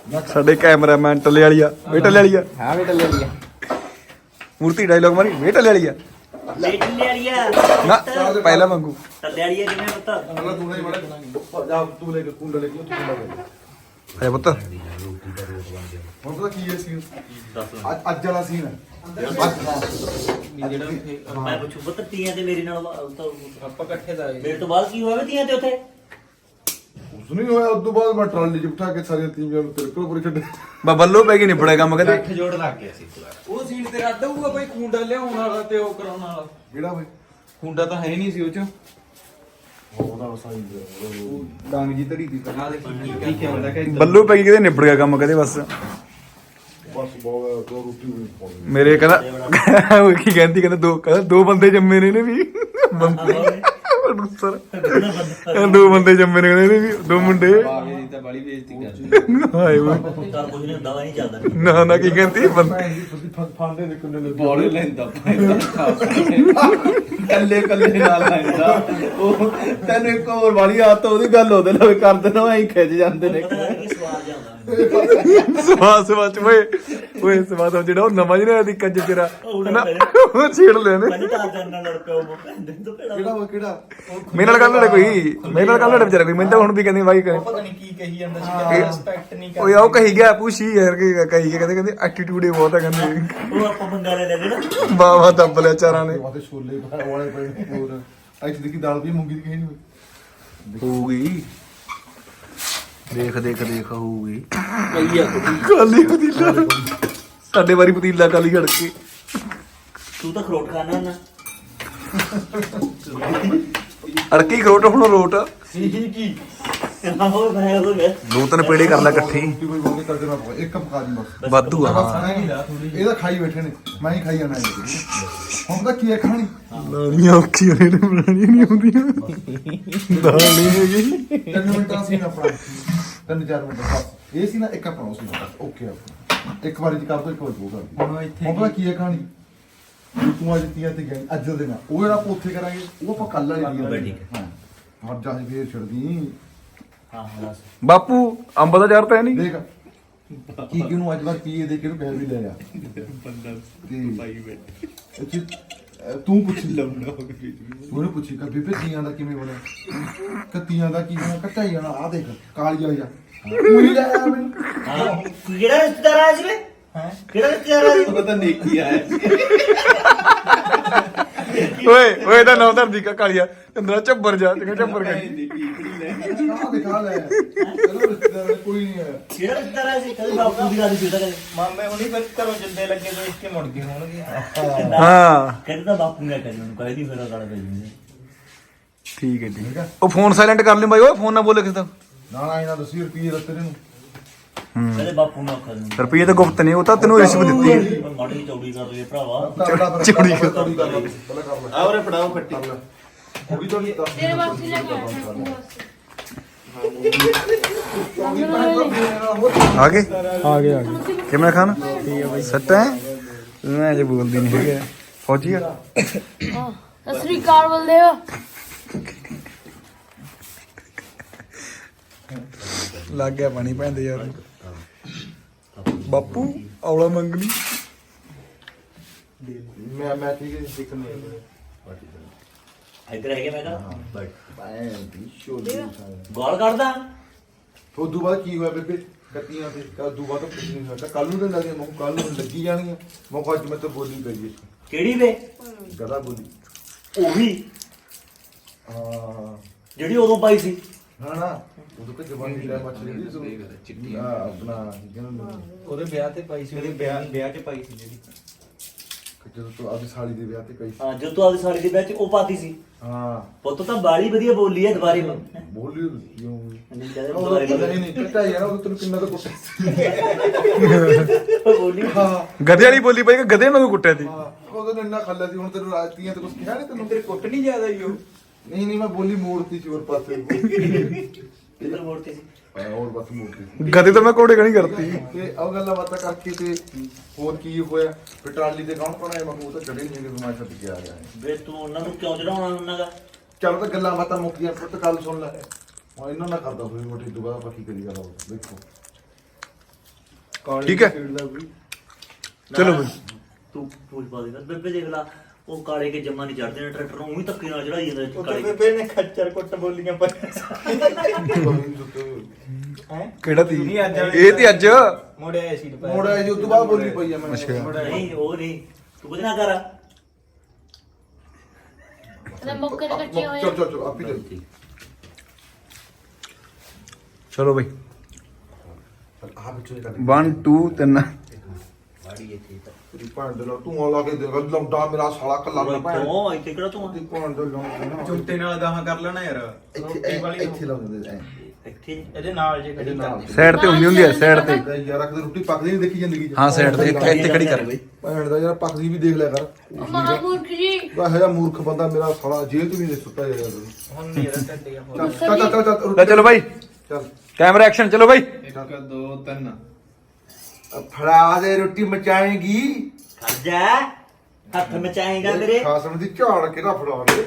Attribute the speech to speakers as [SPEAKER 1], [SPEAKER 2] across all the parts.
[SPEAKER 1] ਸਾਡੇ ਕੈਮਰਾਮੈਨ ਟੱਲੇ ਵਾਲੀ ਆ ਵੇ ਟੱਲੇ ਵਾਲੀ ਆ
[SPEAKER 2] ਹਾਂ ਵੇ ਟੱਲੇ ਵਾਲੀ ਆ
[SPEAKER 1] ਮੂਰਤੀ ਡਾਇਲੋਗ ਮਾਰੀ ਵੇ ਟੱਲੇ ਵਾਲੀ ਆ
[SPEAKER 3] ਟੱਲੇ ਵਾਲੀ ਆ
[SPEAKER 1] ਨਾ ਪਹਿਲਾਂ ਮੰਗੂ
[SPEAKER 3] ਟੱਲੇ ਵਾਲੀ ਆ ਕਿਵੇਂ ਪਤਾ
[SPEAKER 4] ਅਗਲਾ ਤੂੰ ਨਹੀਂ ਬੜਾ ਜਾ ਤੂੰ ਲੈ ਕੇ ਕੁੰਡਾ ਲੈ ਕੇ ਤੂੰ ਕੁੰਡਾ ਲੈ
[SPEAKER 1] ਅਰੇ ਪੁੱਤ
[SPEAKER 4] ਹੁਣ ਪਤਾ ਕੀ ਹੈ ਸੀਨ ਅੱਜ ਵਾਲਾ ਸੀਨ ਹੈ
[SPEAKER 3] ਮੈਂ ਪੁੱਛੂ ਪੁੱਤ ਤੀਆਂ ਤੇ ਮੇਰੇ ਨਾਲ
[SPEAKER 2] ਆਪਾਂ ਇਕੱਠੇ ਦਾ
[SPEAKER 3] ਮੇਰੇ ਤੋਂ ਬਾਅਦ ਕੀ ਹੋਇਆ ਤੀਆਂ ਤੇ ਉੱਥੇ
[SPEAKER 4] ਉਸ ਨਹੀਂ ਹੋਇਆ ਉਸ ਤੋਂ ਬਾਅਦ ਮੈਂ ਟਰਾਲੀ ਚ ਬਿਠਾ ਕੇ ਸਾਰੀਆਂ ਤੀਵੀਆਂ ਨੂੰ ਤੇਰੇ ਕੋਲ ਪੂਰੇ ਛੱਡੇ
[SPEAKER 1] ਬੱਲੋ ਪੈ ਗਈ ਨਿਬੜਿਆ ਕੰਮ ਕਹਿੰਦੇ
[SPEAKER 2] ਅੱਠ ਜੋੜ ਲੱਗ ਗਿਆ ਸੀ ਉਹ ਸੀਨ ਤੇ ਰੱਦ ਹੋਊਗਾ ਬਈ ਖੁੰਡਾ ਲਿਆਉਣ ਵਾਲਾ ਤੇ ਉਹ ਕਰਾਉਣ ਵਾਲਾ
[SPEAKER 4] ਕਿਹੜਾ ਬਈ
[SPEAKER 2] ਖੁੰਡਾ ਤਾਂ ਹੈ ਨਹੀਂ ਸੀ ਉਹ ਚ
[SPEAKER 4] ਉਹਦਾ ਸਾਈਂ
[SPEAKER 2] ਡਾਂਗ ਜੀ ਧਰੀ ਦੀ ਤਰ੍ਹਾਂ ਦੇਖੀ ਕੀ ਕਹਿੰਦਾ ਕਿ
[SPEAKER 1] ਬੱਲੋ ਪੈ ਗਈ ਕਹਿੰਦੇ ਨਿਬੜ ਗਿਆ ਕੰਮ ਕਹਿੰਦੇ ਬਸ
[SPEAKER 4] ਬਸ ਬਹੁਤ ਦੋ ਰੋਟੀ ਵੀ ਪਾਉਣੀ
[SPEAKER 1] ਮੇਰੇ ਕਹਿੰਦਾ ਉਹ ਕੀ ਕਹਿੰਦਾ ਦੋ ਬੰਦੇ ਜੰਮੇ ਨੇ ਇਹਨੇ ਵੀ ਬੰਦੇ ਪ੍ਰੋਡਿਊਸਰ ਦੋ ਬੰਦੇ ਜੰਮੇ ਨੇ ਕਹਿੰਦੇ ਵੀ ਦੋ ਮੁੰਡੇ
[SPEAKER 2] ਬਾਵੇ ਦੀ ਤਾਂ ਬੜੀ ਬੇਇੱਜ਼ਤੀ ਕਰਦੀ
[SPEAKER 1] ਹਾਏ ਓਏ
[SPEAKER 3] ਤਾਂ ਕੁਝ ਨਹੀਂ ਹੁੰਦਾ ਨਹੀਂ ਚੱਲਦਾ
[SPEAKER 1] ਨਾ ਕੀ ਕਹਿੰਦੀ ਬੰਦੇ
[SPEAKER 4] ਫਾਂਡੇ ਦੇ ਕੁੰਡੇ ਨੇ
[SPEAKER 2] ਬੋਲ ਲੈਂਦਾ ਕੱਲੇ ਨਾਲ ਲੈਂਦਾ ਉਹ ਤੈਨੂੰ ਇੱਕ ਹੋਰ ਵਾਲੀ ਆਦਤ ਉਹਦੀ ਗੱਲ ਉਹਦੇ ਨਾਲ ਕਰ ਦੇਣਾ ਐਂ ਖਿੱਚ ਜਾਂਦੇ ਨੇ
[SPEAKER 3] ਪਤਾ ਨਹੀਂ ਸਵਾਦ ਜਾਂਦਾ
[SPEAKER 1] ਸਵਾਸ ਓਏ ਸਵਾਸ ਜਿਹੜਾ ਉਹ ਨਵਾਂ ਜਿਹੜਾ ਦੀ ਕੱਜ ਤੇਰਾ ਨਾ ਉਹ ਛੇੜ ਲੈਣੇ
[SPEAKER 3] ਮੈਨੂੰ ਤਾਂ ਜਾਨਣਾ ਲੜ ਪਿਆ ਉਹ ਕਹਿੰਦੇ ਤੋਂ
[SPEAKER 4] ਕਿਹੜਾ
[SPEAKER 3] ਭੇੜਾ
[SPEAKER 4] ਉਹ ਕਿਹੜਾ
[SPEAKER 1] ਮੇਰੇ ਨਾਲ ਗੱਲ ਲੜੇ ਕੋਈ ਮੇਰੇ ਨਾਲ ਗੱਲ ਲੜੇ ਵਿਚਾਰਾ ਕੋਈ ਮੈਨੂੰ ਤਾਂ ਹੁਣ ਵੀ ਕਹਿੰਦੀ ਬਾਈ
[SPEAKER 2] ਪਤਾ ਨਹੀਂ ਕੀ ਕਹੀ ਜਾਂਦਾ ਸੀ ਕਹਿੰਦਾ ਰਿਸਪੈਕਟ ਨਹੀਂ
[SPEAKER 1] ਓਏ ਆਉ ਕਹੀ ਗਿਆ ਪੁੱਛੀ ਯਾਰ ਕਿ ਕਹੀ ਗਿਆ ਕਹਿੰਦੇ ਐਟੀਟਿਊਡ ਹੀ ਬਹੁਤ ਹੈ ਕਹਿੰਦੇ
[SPEAKER 3] ਉਹ ਆਪਾਂ ਬੰਗਾ ਲੈ ਲੈਣਾ
[SPEAKER 1] ਵਾਹ ਦੱਬ ਲਿਆ ਚਾਰਾਂ ਨੇ
[SPEAKER 4] ਵਾਤੇ ਛੋਲੇ ਵਾਲੇ ਪਏ ਹੋਰ ਐਚ ਦੀ ਕੀ ਦਾਲ ਵੀ ਮੂੰਗੀ ਦੀ ਕਹੀ ਨਹੀਂ
[SPEAKER 1] ਹੋਊਗੀ ਦੇਖ ਹੋਊਗੀ
[SPEAKER 2] ਕਈਆ
[SPEAKER 1] ਕਾਲੀ ਪਤੀਲਾ ਸਾਡੇ ਵਾਰੀ ਪਤੀਲਾ ਕਾਲੀ ਘੜ ਕੇ
[SPEAKER 3] ਤੂੰ ਤਾਂ ਖਰੋਟ ਖਾਣਾ ਨਾ
[SPEAKER 1] ਅੜਕੀ ਖਰੋਟ ਹੁਣ ਰੋਟ
[SPEAKER 2] ਕੀ
[SPEAKER 3] ਹੋਰ ਮੈਂ ਉਹ ਗਿਆ
[SPEAKER 1] ਦੋ ਤਿੰਨ ਪੇੜੇ ਕਰ ਲੈ ਇਕੱਠੇ
[SPEAKER 4] ਰੋਟੀ ਕੋਈ ਬੰਦੇ ਕਰ ਦੇਣਾ ਪਊਗਾ ਇੱਕ ਪਕਾ ਦੀ ਬਸ
[SPEAKER 1] ਵਾਧੂ ਆ
[SPEAKER 4] ਇਹਦਾ ਖਾਈ ਬੈਠੇ ਨੇ ਮੈਂ ਹੀ ਖਾਈ ਜਾਣਾ ਹੁਣ ਤਾਂ ਕੀ ਹੈ ਖਾਣੀ
[SPEAKER 1] ਲਾਣੀਆਂ ਔਖੀਆਂ ਨੇ ਬਣਾਉਣੀਆਂ ਨਹੀਂ ਆਉਂਦੀਆਂ ਦਾਲ ਨਹੀਂ ਹੈਗੀ
[SPEAKER 4] 3 ਮਿੰਟਾਂ ਸੀ ਆਪਣਾ 3-4 ਮਿੰਟ ਬਸ ਇਹ ਸੀ ਨਾ ਇੱਕ ਆਪਣਾ ਸੀ ਓਕੇ ਆਪਣਾ ਇੱਕ ਵਾਰੀ ਚ ਕਰ ਦੋ ਇੱਕ ਵਾਰੀ ਉਹ ਕਰ
[SPEAKER 2] ਹੁਣ ਇੱਥੇ
[SPEAKER 4] ਹੁਣ ਪਤਾ ਕੀ ਹੈ ਕਹਾਣੀ ਤੂੰ ਅੱਜ ਤੀਆਂ ਤੇ ਗਈ ਅੱਜ ਦੇ ਨਾਲ ਉਹ ਜਿਹੜਾ ਆਪਾਂ ਉੱਥੇ ਕਰਾਂਗੇ ਉਹ ਆਪਾਂ ਕੱਲ ਵਾਲੀ
[SPEAKER 3] ਠੀਕ
[SPEAKER 4] ਹਾਂ ਹਰ ਜਾ ਫੇਰ ਛੱਡਦੀ
[SPEAKER 3] ਹਾਂ ਬਸ
[SPEAKER 1] ਬਾਪੂ ਅੰਬ ਦਾ ਚਾਰ ਤਾਂ ਹੈ ਨਹੀਂ
[SPEAKER 4] ਦੇਖ ਕੀ ਕਿਨੂੰ ਅੱਜ ਵਾਰ ਪੀਏ ਦੇ ਕੇ ਨੂੰ ਕਹਿ ਵੀ ਲੈ ਆ ਤੂੰ ਪੁੱਛ ਲੰਮਣਾ ਹੋ ਗਿਆ ਉਹਨੂੰ ਪੁੱਛੀ ਕਿ ਬੀਬੇ ਤੀਆਂ ਦਾ ਕਿਵੇਂ ਬਣਿਆ ਕੱਤੀਆਂ ਦਾ ਕੀ ਬਣਿਆ ਕੱਟਾਈ ਜਾਣਾ ਆ ਦੇਖ ਕਾਲੀ ਆ ਜਾ ਤੂੰ ਹੀ ਲੈ ਆ ਮੈਨੂੰ
[SPEAKER 3] ਹਾਂ ਕਿਹੜਾ ਰਿਸ਼ਤੇਦਾਰ ਆਇਆ ਸੀ ਵੇ
[SPEAKER 2] ਹੈ
[SPEAKER 3] ਕਿਹੜਾ ਰਿਸ਼ਤੇਦਾਰ ਆਇਆ ਸੀ
[SPEAKER 2] ਉਹ ਤਾਂ ਨੇਕੀ ਆਇਆ ਸੀ
[SPEAKER 1] ਓਏ ਤਾਂ ਨੌ ਧਰਦੀ ਕਾ ਕਾਲੀਆ ਅੰਦਰ ਝੱਬਰ ਜਾ ਤੇ ਝੱਬਰ ਗਈ
[SPEAKER 4] ਆ ਦਿਖਾ ਲੈ ਚਲੋ ਰਿਸ਼ਤੇਦਾਰ ਕੋਈ ਨਹੀਂ ਆਇਆ
[SPEAKER 3] ਕਿਹੜਾ ਰਿਸ਼ਤੇਦਾਰ ਆਇਆ ਸੀ ਕਦੇ ਬਾਪੂ ਦੀ ਗੱਲ ਸੀ ਕਦੇ
[SPEAKER 2] ਮਾਮੇ ਹੁਣੀ ਫਿਰ ਘਰੋਂ ਜਿੰਦੇ ਲੱਗੇ ਤੋਂ ਇੱਕੇ ਮੁੜ ਗਏ ਹੋਣਗੇ
[SPEAKER 1] ਹਾਂ
[SPEAKER 3] ਕਹਿੰਦਾ ਤਾਂ ਬਾਪੂ ਨੇ ਕਰੀ ਉਹਨੂੰ ਕਹਿਦੀ ਫਿਰ ਗਾਲ ਪੈ ਜੂਗੀ
[SPEAKER 1] ਠੀਕ ਹੈ ਉਹ ਫੋਨ ਸਾਇਲੈਂਟ ਕਰ ਲਈ ਬਾਈ ਓਏ ਫੋਨ ਨਾ ਬੋਲੇ ਕਿਸੇ ਦਾ
[SPEAKER 4] ਨਾ ਇਹਨਾਂ ਦੱਸੀ ਰੁਪਏ ਦਿੱਤੇ ਨੇ
[SPEAKER 3] ਕਹਿੰਦੇ ਬਾਪੂ ਨੂੰ ਆਖਰ ਨੂੰ
[SPEAKER 1] ਰੁਪਈਏ ਤਾਂ ਗੁਪਤ ਨਹੀਂ ਉਹ ਤਾਂ ਤੈਨੂੰ ਰਿਸ਼ਵਤ ਦਿੱਤੀ
[SPEAKER 3] ਮਾੜੀ ਚੌੜੀ ਕਰ ਲਈ ਭਰਾਵਾ
[SPEAKER 4] ਚੌੜੀ ਕਰ ਪਹਿਲਾਂ ਕਰ ਲੈ
[SPEAKER 2] ਆਉਰੇ ਫੜਾਓ ਖੱਟੀ
[SPEAKER 4] ਥੋੜੀ ਥੋੜੀ
[SPEAKER 5] ਤੇਰੇ ਵਾਸਤੇ ਲੈ ਕੇ ਆਇਆ
[SPEAKER 1] ਆ ਗਏ ਕਿਵੇਂ ਖਾਨ ਠੀਕ ਹੈ ਬਾਈ ਸੱਟ ਹੈ ਮੈਂ ਅਜੇ ਬੋਲਦੀ ਨਹੀਂ ਹੈਗਾ ਫੌਜੀ ਆ
[SPEAKER 5] ਸਤਿ ਸ੍ਰੀ ਅਕਾਲ ਬਲਦੇਵ
[SPEAKER 1] ਲੱਗ ਗਿਆ ਪਾਣੀ ਪੈਂਦੇ ਯਾਰ ਬਾਪੂ ਔਲਾ ਮੰਗਣੀ
[SPEAKER 4] ਮੈਂ ਠੀਕ ਹੈ ਸਿੱਖਣੀ
[SPEAKER 3] ਇੱਧਰ ਹੈਗੇ ਮੈਂ ਤਾਂ
[SPEAKER 4] ਬਾਏ ਸ਼ੋਲੀ
[SPEAKER 3] ਗਾਲ ਕੱਢਦਾ
[SPEAKER 4] ਉਦੋਂ ਬਾਅਦ ਕੀ ਹੋਇਆ ਬੇਬੇ ਕੱਤੀਆਂ ਤੇ ਉਦੋਂ ਬਾਅਦ ਕੁਝ ਨਹੀਂ ਹੋਇਆ ਕੱਲ ਨੂੰ ਤਾਂ ਲੱਗੇ ਮੈਂ ਕੱਲ ਨੂੰ ਲੱਗੀ ਜਾਣੀਆਂ ਮੈਂ ਕਿਹਾ ਅੱਜ ਮੈਂ ਤਾਂ ਬੋਲੀ ਪਈ
[SPEAKER 3] ਕਿਹੜੀ ਵੇ
[SPEAKER 4] ਗਦਾ ਬੋਲੀ
[SPEAKER 3] ਉਹੀ
[SPEAKER 4] ਹਾਂ
[SPEAKER 3] ਜਿਹੜੀ ਉਦੋਂ ਪਾਈ ਸੀ
[SPEAKER 4] ਨਾ ਉਦੋਂ ਕਿ ਜਵਾਨੀ ਲੈ ਮੱਛੀ ਚਿੱਟੀ ਆਪਣਾ
[SPEAKER 2] ਉਹਦੇ ਵਿਆਹ ਤੇ ਪਾਈ ਸੀ ਉਹਦੇ ਵਿਆਹ 'ਚ ਪਾਈ ਸੀ ਜਿਹੜੀ
[SPEAKER 4] ਜਦੋਂ ਤੂੰ ਆਪਣੀ ਸਾਲੀ ਦੇ ਵਿਆਹ ਤੇ ਕਹੀ
[SPEAKER 3] ਹਾਂ ਜਦੋਂ ਤੂੰ ਆਪਦੀ ਸਾਲੀ ਦੇ ਵਿੱਚ ਉਹ ਪਾਤੀ ਸੀ
[SPEAKER 4] ਹਾਂ
[SPEAKER 3] ਪੁੱਤ ਤਾਂ ਬਾਲੀ ਵਧੀਆ ਬੋਲੀ ਹੈ ਦੁਬਾਰੇ
[SPEAKER 4] ਬੋਲੀ ਕਿਉਂ
[SPEAKER 3] ਨਹੀਂ ਕਹਿੰਦੇ
[SPEAKER 4] ਉਹ
[SPEAKER 3] ਦੁਬਾਰੇ
[SPEAKER 4] ਨਹੀਂ ਕੱਟਾ ਯਾਰ ਉਹ ਤੈਨੂੰ ਕਿੰਨਾ ਤਾਂ ਕੁੱਟਿਆ
[SPEAKER 3] ਬੋਲੀ
[SPEAKER 4] ਹਾਂ
[SPEAKER 1] ਗਧੇ ਵਾਲੀ ਬੋਲੀ ਪਈ ਕਿ ਗਧੇ ਨੂੰ ਕੁੱਟਿਆ ਤੀ
[SPEAKER 4] ਹਾਂ ਉਹਦੋਂ ਇੰਨਾ ਖੱਲਾ ਸੀ ਹੁਣ ਤੈਨੂੰ ਰਾਤੀਆਂ ਤੇ ਕੁਝ ਕਿਹਾ ਨਹੀਂ ਤੈਨੂੰ
[SPEAKER 2] ਤੇਰੇ ਕੁੱਟ ਨਹੀਂ ਜ਼ਿਆਦਾ ਹੀ ਉਹ
[SPEAKER 4] ਨਹੀਂ ਮੈਂ ਬੋਲੀ ਮੋੜਤੀ ਸੀ ਹੋਰ ਪਾਸੇ
[SPEAKER 3] ਕਿੱਧਰ ਮੋੜਤੀ ਸੀ
[SPEAKER 4] ਹੋਰ ਬਸ ਮੋੜਤੀ ਸੀ
[SPEAKER 1] ਗਧੇ ਤਾਂ ਮੈਂ ਕੋੜੇ ਕਣੀ ਕਰਤੀ
[SPEAKER 4] ਤੇ ਉਹ ਗੱਲਾਂ ਬਾਤਾਂ ਕਰਕੇ ਤੇ ਹੋਰ ਕੀ ਹੋਇਆ ਫਿਰ ਟਰਾਲੀ ਤੇ ਕੌਣ ਕੌਣ ਆਇਆ ਮੈਂ ਉਹ ਤਾਂ ਚੜੇ ਨਹੀਂ ਕਿ ਮੈਂ ਛੱਡ ਕੇ ਆ ਗਿਆ
[SPEAKER 3] ਵੇ ਤੂੰ ਉਹਨਾਂ ਨੂੰ ਕਿਉਂ ਚੜਾਉਣਾ ਉਹਨਾਂ ਦਾ
[SPEAKER 4] ਚੱਲ ਤਾਂ ਗੱਲਾਂ ਬਾਤਾਂ ਮੁੱਕੀਆਂ ਪੁੱਤ ਗੱਲ ਸੁਣ ਲੈ ਹੁਣ ਇਹਨਾਂ ਨਾਲ ਕਰਦਾ ਹੋਈ ਮੋਟੀ ਦੁਬਾਰਾ ਆਪਾਂ ਕੀ ਕਰੀ ਗੱਲ ਦੇਖੋ
[SPEAKER 1] ਠੀਕ ਹੈ ਚਲੋ ਬਈ
[SPEAKER 3] ਤੂੰ ਪੁੱਛ ਪਾ ਦੇ ਬੇਬੇ ਦੇਖ ਲਾ ਉਹ ਕਾਲੇ ਕੇ ਜੰਮਾ ਨਹੀਂ ਚੜਦੇ ਨੇ ਟਰੈਕਟਰ ਨੂੰ ਉਹੀ ਧੱਕੇ ਨਾਲ ਚੜਾਈ ਜਾਂਦਾ
[SPEAKER 6] ਉਹ
[SPEAKER 3] ਕਾਲੇ
[SPEAKER 6] ਬੇਬੇ ਨੇ ਖੱਚਰ ਕੁੱਟ ਬੋਲੀਆਂ ਪਾਈਆਂ ਹੈ
[SPEAKER 1] ਕਿਹੜਾ ਤੀ
[SPEAKER 6] ਨਹੀਂ ਅੱਜ
[SPEAKER 1] ਇਹ ਤੇ ਅੱਜ
[SPEAKER 6] ਮੋੜਿਆ ਸੀ ਦੁਪਹਿਰ
[SPEAKER 4] ਮੋੜਾ ਜੀ ਉਸ ਤੋਂ ਬਾਅਦ ਬੋਲੀ ਪਈ ਆ ਮੈਂ
[SPEAKER 1] ਅੱਛਾ।
[SPEAKER 3] ਨਹੀਂ ਉਹ ਨਹੀਂ ਤੂੰ ਕੁਝ ਨਾ ਕਰ
[SPEAKER 5] ਤੇ ਮੁੱਕੇ ਤੇ ਕੱਚੇ ਹੋਏ
[SPEAKER 4] ਚਲ ਚਲ ਚਲ ਆਪੀ ਚਲ
[SPEAKER 1] ਚਲੋ ਬਈ
[SPEAKER 4] ਆ ਵਿੱਚੋਂ ਹੀ ਕੱਢ
[SPEAKER 1] 1 2 3
[SPEAKER 3] ਬਾੜੀ ਇੱਥੇ ਤਾਂ
[SPEAKER 4] ਤੇਰੀ ਭੈਣ ਦੇ ਨਾਲ ਤੂੰ ਆ ਲਾ ਕੇ ਦੇ ਲੰਡਾ ਮੇਰਾ ਸਾਲਾ ਕੱਲਾ ਨਾ ਭੈਣ
[SPEAKER 3] ਉਹ ਇੱਥੇ ਕਿਹੜਾ ਤੂੰ
[SPEAKER 4] ਤੇਰੀ ਭੈਣ ਦੇ ਨਾਲ
[SPEAKER 6] ਚੁੰਟੇ ਨਾਲ ਗਾਹਾਂ ਕਰ ਲੈਣਾ ਯਾਰ
[SPEAKER 4] ਇੱਥੇ ਇੱਥੇ ਲਾ ਦਿੰਦੇ ਐ
[SPEAKER 3] ਇੱਥੇ
[SPEAKER 6] ਇਹਦੇ ਨਾਲ ਜੇ
[SPEAKER 4] ਇਹਦੇ ਨਾਲ
[SPEAKER 1] ਸਾਈਡ ਤੇ ਹੁੰਦੀ ਹੈ ਸਾਈਡ ਤੇ
[SPEAKER 4] ਯਾਰ ਅਕਦੇ ਰੋਟੀ ਪੱਕਦੀ ਨਹੀਂ ਦੇਖੀ ਜ਼ਿੰਦਗੀ ਚ
[SPEAKER 1] ਹਾਂ ਸਾਈਡ ਤੇ ਇੱਥੇ ਖੜੀ ਕਰ ਬਈ
[SPEAKER 4] ਭੈਣ ਦਾ ਯਾਰ ਪੱਕਦੀ ਵੀ ਦੇਖ ਲਿਆ ਕਰ
[SPEAKER 5] ਮਹਾਮੂਰਖ ਜੀ
[SPEAKER 4] ਉਹ ਇਹੋ ਜਿਹਾ ਮੂਰਖ ਬੰਦਾ ਮੇਰਾ ਸਾਲਾ ਜੇਲ੍ਹ ਚ ਵੀ ਨਹੀਂ ਸੁੱਤਾ ਯਾਰ
[SPEAKER 6] ਹੁਣ ਨਹੀਂ ਇਹਦਾ ਟੱਡੀਆਂ ਹੋ
[SPEAKER 4] ਚੱਲ ਚੱਲ ਚੱਲ ਚੱਲ
[SPEAKER 1] ਲੈ ਚਲੋ ਬਾਈ
[SPEAKER 4] ਚੱਲ
[SPEAKER 1] ਕੈਮਰਾ ਐਕਸ਼ਨ ਚਲੋ ਬਾਈ
[SPEAKER 6] 1 2 3
[SPEAKER 4] ਫੜਾ ਦੇ ਰੋਟੀ ਮਚਾਏਗੀ
[SPEAKER 3] ਖੜ ਜਾ ਹੱਥ ਮਚਾਏਗਾ ਮੇਰੇ
[SPEAKER 4] ਖਾਸਮ ਦੀ ਝਾੜ ਕਿਹੜਾ ਫੜਾ ਦੇ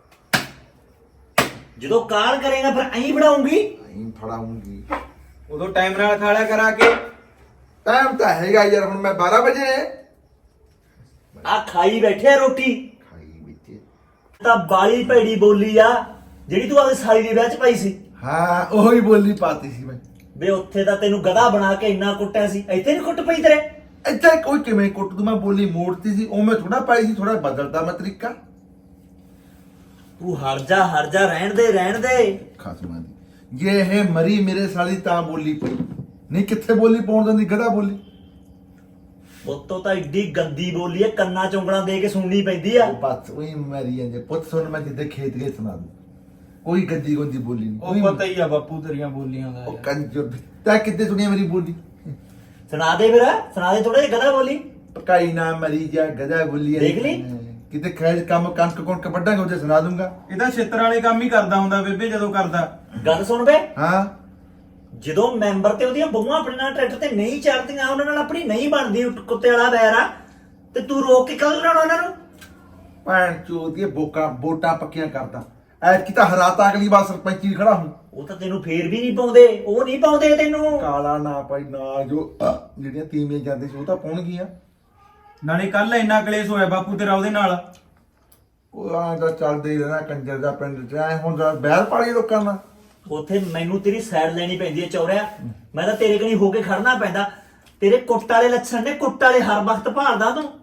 [SPEAKER 3] ਜਦੋਂ ਕਾਲ ਕਰੇਗਾ ਫਿਰ ਐਂ ਫੜਾਉਂਗੀ
[SPEAKER 4] ਨਹੀਂ ਫੜਾਉਂਗੀ
[SPEAKER 6] ਉਦੋਂ ਟਾਈਮ ਨਾਲ ਖਾ ਲਿਆ ਕਰਾ ਕੇ
[SPEAKER 4] ਟਾਈਮ ਤਾਂ ਹੈਗਾ ਯਾਰ ਹੁਣ ਮੈਂ 12 ਵਜੇ
[SPEAKER 3] ਆ ਖਾਈ ਬੈਠੇ ਆ ਰੋਟੀ
[SPEAKER 4] ਖਾਈ ਵਿੱਚ
[SPEAKER 3] ਤਾਂ ਬਾਲੀ ਭੈੜੀ ਬੋਲੀ ਆ ਜਿਹੜੀ ਤੂੰ ਆਪਣੀ ਸਾਲੀ ਦੇ ਵਿਆਹ ਚ ਪਾਈ ਸੀ
[SPEAKER 4] ਹਾਂ ਉਹੀ ਬੋਲੀ ਪਾਤੀ ਸੀ ਮੈਂ
[SPEAKER 3] ਵੇ ਉੱਥੇ ਤਾਂ ਤੈਨੂੰ ਗਧਾ ਬਣਾ ਕੇ ਇੰਨਾ ਕੁੱਟਿਆ ਸੀ ਇੱਥੇ ਨਹੀਂ ਕੁੱਟ ਪਈ ਤੇਰੇ
[SPEAKER 4] ਇੱਥੇ ਕੋਈ ਕਿਵੇਂ ਕੁੱਟ ਦੂ ਮੈਂ ਬੋਲੀ ਮੋੜਤੀ ਸੀ ਉਹ ਮੈਂ ਥੋੜਾ ਪਾਈ ਸੀ ਥੋੜਾ ਬਦਲਦਾ ਮੈਂ ਤਰੀਕਾ
[SPEAKER 3] ਤੂੰ ਹਟ ਜਾ ਰਹਿਣ ਦੇ
[SPEAKER 4] ਖਾਸਮਾਂ ਦੀ ਜੇ ਇਹ ਮਰੀ ਮੇਰੇ ਸਾਲੀ ਤਾਂ ਬੋਲੀ ਪਈ ਨਹੀਂ ਕਿੱਥੇ ਬੋਲੀ ਪਾਉਣ ਦਿੰਦੀ ਗਧਾ ਬੋਲੀ
[SPEAKER 3] ਉੱਤੋਂ ਤਾਂ ਏਡੀ ਗੰਦੀ ਬੋਲੀ ਐ ਕੰਨਾਂ ਚ ਉਂਗਲਾਂ ਦੇ ਕੇ ਸੁਣਨੀ ਪੈਂਦੀ ਆ
[SPEAKER 4] ਉਹ ਬਸ ਉਹੀ ਮਰੀ ਜਾਂਦੇ ਪੁੱਤ ਸੁਣ ਮੈਂ ਜਿੱਦੇ ਖੇਤ ਗਏ ਸੁਣਾ ਦੂੰ ਕੋਈ ਗੱਦੀ ਗੋਦੀ ਬੋਲੀ ਨਹੀਂ
[SPEAKER 6] ਉਹ ਪਤਾ ਹੀ ਆ ਬਾਪੂ ਤੇਰੀਆਂ ਬੋਲੀਆਂ ਦਾ
[SPEAKER 4] ਉਹ ਕੰਜਰ ਤਾਂ ਕਿੱਦੇ ਸੁਣੀਆਂ ਮੇਰੀ ਬੋਲੀ
[SPEAKER 3] ਸੁਣਾ ਦੇ ਥੋੜਾ ਜਿਹਾ ਗਧਾ ਬੋਲੀ
[SPEAKER 4] ਪਕਾਈ ਨਾ ਮਰੀ ਜਾ ਗਧਾ ਬੋਲੀ
[SPEAKER 3] ਦੇਖ ਲਈ?
[SPEAKER 4] ਕਿਤੇ ਖੈਰ ਕੰਮ ਕਣਕ ਕੁਣਕ ਵੱਢਾਂਗੇ ਉਹਦੇ ਸੁਣਾ ਦੂੰਗਾ
[SPEAKER 6] ਇਹਦਾ ਛਿੱਤਰ ਵਾਲੇ ਕੰਮ ਹੀ ਕਰਦਾ ਹੁੰਦਾ ਬੇਬੇ ਜਦੋਂ ਕਰਦਾ
[SPEAKER 3] ਗੱਲ ਸੁਣ ਬੇ
[SPEAKER 4] ਹਾਂ
[SPEAKER 3] ਜਦੋਂ ਮੈਂਬਰ ਤੇ ਉਹਦੀਆਂ ਬਹੂਆਂ ਆਪਣੇ ਨਾਲ ਟਰੈਕਟਰ ਤੇ ਨਹੀਂ ਚੜਦੀਆਂ ਉਹਨਾਂ ਨਾਲ ਆਪਣੀ ਨਹੀਂ ਬਣਦੀ ਕੁੱਤੇ ਵਾਲਾ ਵੈਰ ਆ ਤੇ ਤੂੰ ਰੋਕ ਕੇ ਕੱਲ ਲੈਣਾ ਉਹਨਾਂ ਨੂੰ
[SPEAKER 4] ਭੈਣ ਚੋਦ ਦੀ ਵੋਟਾਂ ਪੱਕੀਆਂ ਕਰਦਾ ਐਤਕੀ ਤਾਂ ਹਰਾਤਾ ਅਗਲੀ ਵਾਰ ਸਰਪੰਚੀ ਖੜਾ ਹੂੰ
[SPEAKER 3] ਉਹ ਤਾਂ ਤੈਨੂੰ ਫੇਰ ਵੀ ਨਹੀਂ ਪਾਉਂਦੇ ਉਹ ਨਹੀਂ ਪਾਉਂਦੇ ਤੈਨੂੰ
[SPEAKER 4] ਕਾਲਾ ਨਾ ਪਾਈ ਨਾ ਜੋ ਜਿਹੜੀਆਂ ਤੀਵੀਆਂ ਜਾਂਦੇ ਸੀ ਉਹ ਤਾਂ ਪਾਉਣਗੀਆਂ
[SPEAKER 6] ਨਾਲੇ ਕੱਲ ਇੰਨਾ ਕਲੇਸ਼ ਹੋਇਆ ਬਾਪੂ ਤੇਰਾ ਉਹਦੇ ਨਾਲ
[SPEAKER 4] ਉਹ ਆਂ ਦਾ ਚੱਲਦੇ ਹੀ ਰਹਿਣਾ ਕੰਜਰ ਦਾ ਪਿੰਡ ਚ ਐ ਹੁਣ ਬਹਿਰ ਪਾਲੀ ਲੋਕਾਂ ਨਾਲ
[SPEAKER 3] ਉੱਥੇ ਮੈਨੂੰ ਤੇਰੀ ਸਾਈਡ ਲੈਣੀ ਪੈਂਦੀ ਹੈ ਚੌਰਿਆ ਮੈਂ ਤਾਂ ਤੇਰੇ ਕਣੀ ਹੋ ਕੇ ਖੜਨਾ ਪੈਂਦਾ ਤੇਰੇ ਕੁੱਟ ਵਾਲੇ ਲੱਛਣ ਨੇ ਕੁੱਟ ਵਾਲੇ ਹਰ ਵਕਤ ਭਾਲਦਾ ਤੂੰ